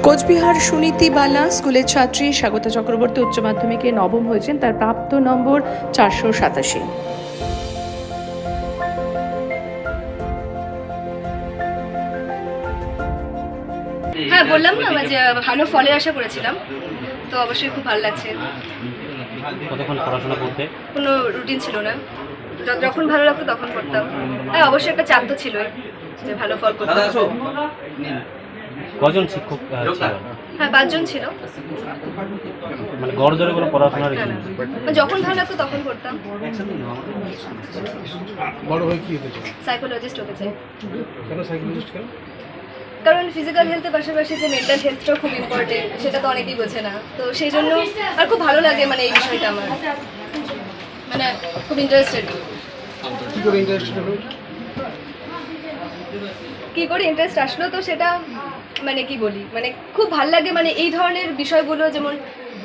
কোচবিহার সুনীতিবালা স্কুলের ছাত্রী স্বাগতা চক্রবর্তী উচ্চ মাধ্যমিকে নবম হয়েছেন। তার প্রাপ্ত নম্বর 487। হ্যাঁ, বললাম না যে ভালো ফলের আশা করেছিলাম, তো অবশ্যই খুব ভালো লাগছে। কতক্ষণ পড়াশোনা করতে? কোনো রুটিন ছিল না, যখন ভালো লাগতো তখন করতাম। হ্যাঁ, অবশ্যই একটা চাপ তো ছিলই যে ভালো ফল করতে হবে। কজন শিক্ষক ছিল? হ্যাঁ, 5 জন ছিল। মানে গড় জোরে কোনো পড়াশোনার না, না, মানে যখন ভালো লাগতো তখন করতাম। বড় হয়ে কি হতে চাই? সাইকোলজিস্ট হতে চাই। কেন সাইকোলজিস্ট কেন? কারণ ফিজিক্যাল হেলথের পাশাপাশি যে মেন্টাল হেলথটাও খুব ইম্পর্টেন্ট, সেটা তো অনেকেই বোঝে না। তো সেই জন্য আর খুব ভালো লাগে, মানে এই বিষয়টা আমার মানে খুব ইন্টারেস্টেড। কি করে ইন্টারেস্টেড হলো? কী করে ইন্টারেস্ট আসলো, তো সেটা মানে কি বলি, মানে খুব ভাল লাগে, মানে এই ধরনের বিষয়গুলো। যেমন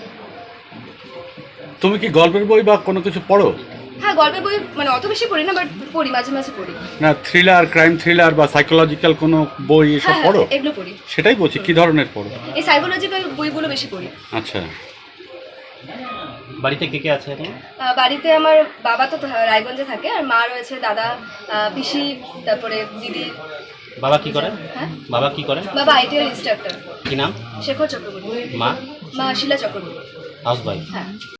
তুমি কি গল্পের বই বা কোনো কিছু পড়ো? হ্যাঁ, গল্পের বই মানে অত বেশি পড়ি না, বাট পড়ি, মাঝে মাঝে পড়ি। না, থ্রিলার, ক্রাইম থ্রিলার বা সাইকোলজিক্যাল কোনো বই এসব হ্যাঁ, পড়ো? এগুলো পড়ি। সেটাই বলছি, কি ধরনের পড়ো? এই সাইকোলজিক্যাল বইগুলো বেশি পড়ি। আচ্ছা, বাড়িতে কে কে আছে এখন? বাড়িতে আমার বাবা তো রায়গঞ্জে থাকে, আর মা রয়েছে, দাদা, পিসি, তারপরে দিদি। বাবা কি করে? হ্যাঁ, বাবা কি করে? বাবা আইটিআর ইনস্ট্রাক্টর। কি নাম? শেখর চক্রবর্তী। মা? মা শিলা চক্রবর্তী। House wife. হ্যাঁ।